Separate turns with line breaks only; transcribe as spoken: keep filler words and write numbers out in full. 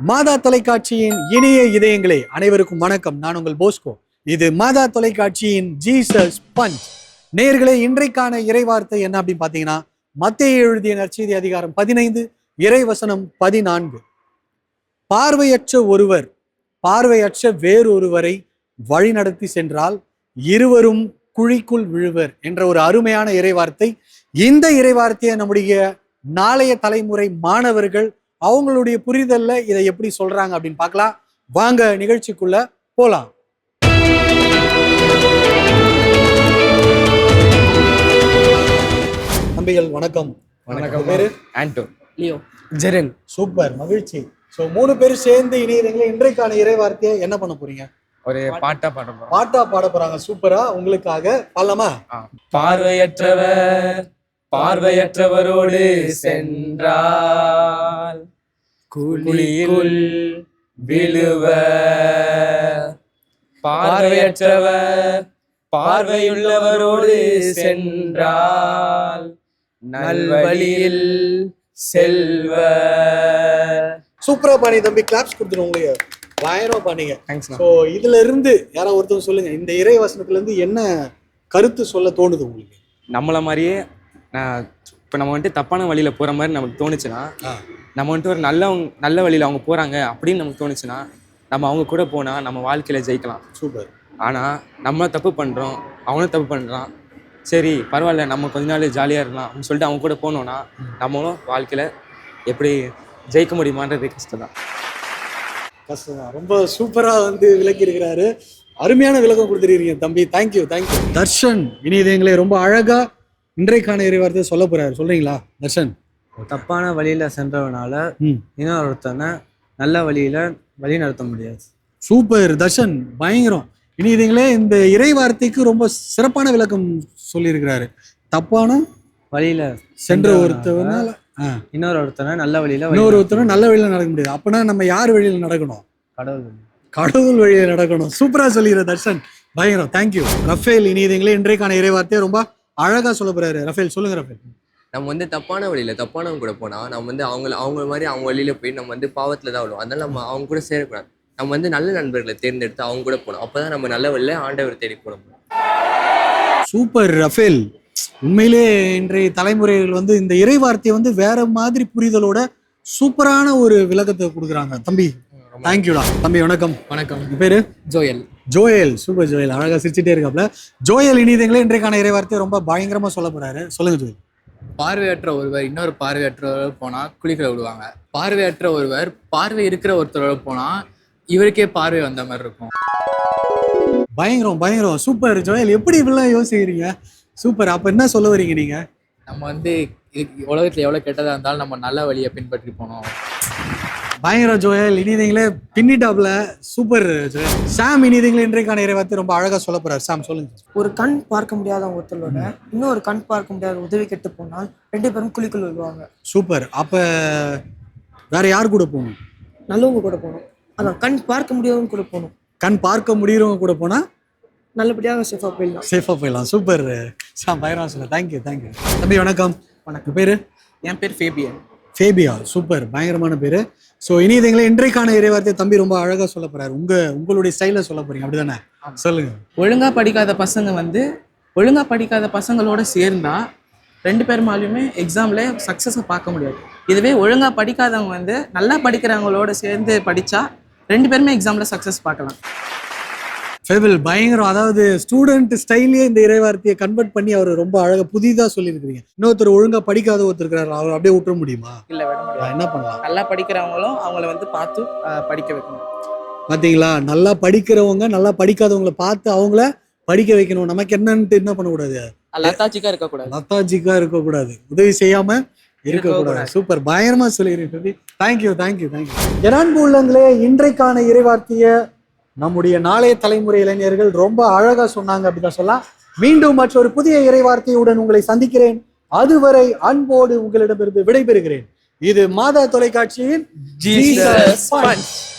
மாதா தொலைக்காட்சியின் இனிய இதயங்களே அனைவருக்கும் வணக்கம். நான் உங்கள் போஸ்கோ. இது மாதா தொலைக்காட்சியின் ஜீசஸ் பஞ்ச். நேயர்களே, இன்றைக்கான இறைவார்த்தை என்ன அப்படின்னு பாத்தீங்கன்னா, மத்தேயு எழுதிய நற்செய்தி அதிகாரம் பதினைந்து இறைவசனம் பதினான்கு. பார்வையற்ற ஒருவர் பார்வையற்ற வேறொருவரை வழி நடத்தி சென்றால் இருவரும் குழிக்குள் விழுவர் என்ற ஒரு அருமையான இறைவார்த்தை. இந்த இறைவார்த்தையை நம்முடைய நாளைய தலைமுறை மாணவர்கள் அவங்களுடைய புரிதல்ல இதை எப்படி சொல்றாங்க அப்படின்னு பார்க்கலாம். வாங்க நிகழ்ச்சிக்குள்ள போலாம். தம்பிகள் வணக்கம்.
வணக்கம்.
பேரு
ஆண்டோ,
லியோ,
ஜெரன்.
சூப்பர், மகிழ்ச்சி. சோ மூணு பேரும் சேர்ந்து இணையதங்களே இன்றைக்கான இறைவார்த்தையை என்ன பண்ண போறீங்க?
ஒரு பாட்டா பாட போறோம்.
பாட்டா பாட போறாங்க. சூப்பரா, உங்களுக்காக பாடலாமா?
பார்வையற்றவர் பார்வையற்றவரோடு சென்றால் குழிக்குள் விழுவர். பார்வையற்றவர் பார்வையுள்ளவரோடு சென்றால் நல்வழியில் செல்வர்.
சூப்பரா பாடி தம்பி, கிளாப்ஸ் கொடுத்துருவோம். உங்களுக்கு பயங்கரமா பாடிங்க. ஸோ இதுல இருந்து யாராவது ஒருத்தர் சொல்லுங்க, இந்த இறை வசனத்துல இருந்து என்ன கருத்து சொல்ல தோணுது உங்களுக்கு?
நம்மள மாதிரியே நான் இப்போ நம்ம வந்துட்டு தப்பான வழியில் போகிற மாதிரி நமக்கு தோணுச்சுன்னா, நம்ம வந்துட்டு ஒரு நல்ல நல்ல வழியில் அவங்க போகிறாங்க அப்படின்னு நமக்கு தோணுச்சுன்னா, நம்ம அவங்க கூட போனால் நம்ம வாழ்க்கையில் ஜெயிக்கலாம்.
சூப்பர்.
ஆனால் நம்ம தப்பு பண்ணுறோம், அவனும் தப்பு பண்ணுறான், சரி பரவாயில்ல நம்ம கொஞ்ச நாள் ஜாலியாக இருக்கலாம் அப்படின்னு சொல்லிட்டு அவங்க கூட போனோன்னா நம்மளும் வாழ்க்கையில் எப்படி ஜெயிக்க முடியுமான்றது கஷ்டம் தான்.
கஷ்டம் தான். ரொம்ப சூப்பராக வந்து விளக்கி இருக்கிறாரு. அருமையான விளக்கம் கொடுத்துருக்கீங்க தம்பி. Thank you thank you. தர்ஷன் இனியதங்களே ரொம்ப அழகா இன்றைக்கான இறைவார்த்தையை சொல்ல போறாரு. சொல்றீங்களா தர்ஷன்?
தப்பான வழியில சென்றவனால இன்னொருத்தனை நல்ல வழியில வழி நடத்த முடியாது.
சூப்பர் தர்ஷன், பயங்கரம். இனியதங்களே இந்த இறைவார்த்தைக்கு ரொம்ப சிறப்பான விளக்கம் சொல்லியிருக்கிறாரு. தப்பான
வழியில
சென்ற ஒருத்தவனால
இன்னொரு ஒருத்தனை நல்ல வழியில
இன்னொரு ஒருத்தனை நல்ல வழியில நடக்க முடியாது. அப்பனா நம்ம யார் வழியில நடக்கணும்?
கடவுள் வழி.
கடவுள் வழியில நடக்கணும். சூப்பரா சொல்லிடுற தர்ஷன், பயங்கரம். தேங்க்யூ. ரஃபேல் இனியதங்களே இன்றைக்கான இறைவார்த்தையை ரொம்ப அழகா சொல்ல போறாரு. ரஃபேல் சொல்லுங்க. ரஃபேல்,
நம்ம வந்து தப்பான வழியில் தப்பானவங்க கூட போனால் நம்ம வந்து அவங்க அவங்க மாதிரி அவங்க வழியில் போய் நம்ம வந்து பாவத்தில் தான் விடுவோம். அதனால நம்ம அவங்க கூட சேரக்கூடாது. நம்ம வந்து நல்ல நண்பர்களை தேர்ந்தெடுத்து அவங்க கூட போகணும். அப்போ தான் நம்ம நல்ல வழியில் ஆண்டவர் தேடி போட முடியும்.
சூப்பர் ரஃபேல். உண்மையிலே இன்றைய தலைமுறைகள் வந்து இந்த இறைவார்த்தையை வந்து வேற மாதிரி புரிதலோட சூப்பரான ஒரு விளக்கத்தை கொடுக்குறாங்க. தம்பி தேங்க்யூடா. தம்பி வணக்கம்.
வணக்கம்.
பேரு
ஜோயல்.
ஜோயல். சூப்பர் ஜோயல், அழகா சிரிச்சுட்டே இருக்காப்ல. ஜோயல் இனியதங்களே இன்றைக்கான இறைவார்த்தையை ரொம்ப பயங்கரமா சொல்ல போறாரு. சொல்லுங்க ஜோயல்.
பார்வையற்ற ஒருவர் இன்னொரு பார்வையற்றவர் போனா குளிக்கிற விடுவாங்க. பார்வையற்ற ஒருவர் பார்வை இருக்கிற ஒருத்தரோட போனா இவருக்கே பார்வை வந்த மாதிரி இருக்கும்.
பயங்கரம் பயங்கரம். சூப்பர் ஜோயல், எப்படி இப்படிலாம் யோசிக்கிறீங்க? சூப்பர். அப்ப என்ன சொல்ல வரீங்க நீங்க?
நம்ம வந்து உலகத்துல எவ்வளவு கெட்டதா இருந்தாலும் நம்ம நல்ல வழியை பின்பற்றி போனோம்.
பயங்கரம் ஜோயல். இனியதங்களே பின்னிட்டாப்ல. சூப்பர் ஜோயல். சாம் இனியதங்களே இன்றைக்கான இறைவார்த்தை ரொம்ப அழகா சொல்ல போறாரு. சாம் சொல்லுங்க.
ஒரு கண் பார்க்க முடியாத ஒருத்தரோட இன்னொரு கண் பார்க்க முடியாத உதவி கெட்டு போனால் ரெண்டு பேரும் குழிக்குள் விழுவாங்க.
சூப்பர். அப்ப வேற யார் கூட போகணும்?
நல்லவங்க கூட போகணும். அதான் கண் பார்க்க முடியாதவங்க கூட போகணும்.
கண் பார்க்க முடியறவங்க கூட போனா
நல்லபடியாக சேஃபா போயிடலாம்.
சேஃபா போயிடலாம். சூப்பர் சாம், பயங்கரம் சொல்ல. Thank you thank you. தம்பி வணக்கம். வணக்கம். பேரு?
என் பேர் ஃபேபியன்.
ஃபேபியா. சூப்பர், பயங்கரமான பேரு. ஸோ இனியதங்களே இன்றைக்கான இறைவார்த்தை தம்பி ரொம்ப அழகா சொல்ல போறாரு. உங்க உங்களுடைய ஸ்டைல சொல்ல போறீங்க, அப்படிதானே? சொல்லுங்க.
ஒழுங்கா படிக்காத பசங்க வந்து ஒழுங்கா படிக்காத பசங்களோட சேர்ந்தா ரெண்டு பேருமாலையுமே எக்ஸாம்ல சக்ஸஸை பார்க்க முடியாது. இதுவே ஒழுங்கா படிக்காதவங்க வந்து நல்லா படிக்கிறவங்களோட சேர்ந்து படிச்சா ரெண்டு பேருமே எக்ஸாம்ல சக்ஸஸ் பார்க்கலாம்.
ஃபேபிள் பயங்கரம். அதாவது ஸ்டூடெண்ட் ஸ்டைலே இந்த இறைவார்த்தையை கன்வெர்ட் பண்ணி அவர் ரொம்ப அழகா புதிதா சொல்லியிருக்கிறீங்க. இன்னொருத்தர் ஒழுங்கா படிக்காத ஒருத்தர் இருக்கிறாரு, அவர் அப்படியே விட்டுற முடியுமா?
இல்ல, விட முடியாது.
என்ன பண்ணலாம்?
நல்லா படிக்கிறவங்களும் அவங்கள வந்து பார்த்து படிக்க வைக்கணும்.
பாத்தீங்களா? நல்லா படிக்கிறவங்க நல்லா படிக்காதவங்களை பார்த்து அவங்கள படிக்க வைக்கணும். நமக்கு என்னன்ட்டு என்ன பண்ணக்கூடாது?
லத்தாச்சிக்கா இருக்கக்கூடாது.
லத்தாச்சிக்கா இருக்கக்கூடாது. உதவி செய்யாம இருக்கக்கூடாது. சூப்பர், பயங்கரமா சொல்லியிருக்கீங்க. Thank you thank you thank you. என் உள்ளங்களே இன்றைக்கான இறைவார்த்தையை நம்முடைய நாளைய தலைமுறை இளைஞர்கள் ரொம்ப அழகா சொன்னாங்க அப்படிதான் சொல்லலாம். மீண்டும் மற்றொரு புதிய இறைவார்த்தையுடன் உங்களை சந்திக்கிறேன். அதுவரை அன்போடு உங்களிடமிருந்து விடைபெறுகிறேன். இது மாதா தொலைக்காட்சியின் ஜீசஸ் பஞ்ச்.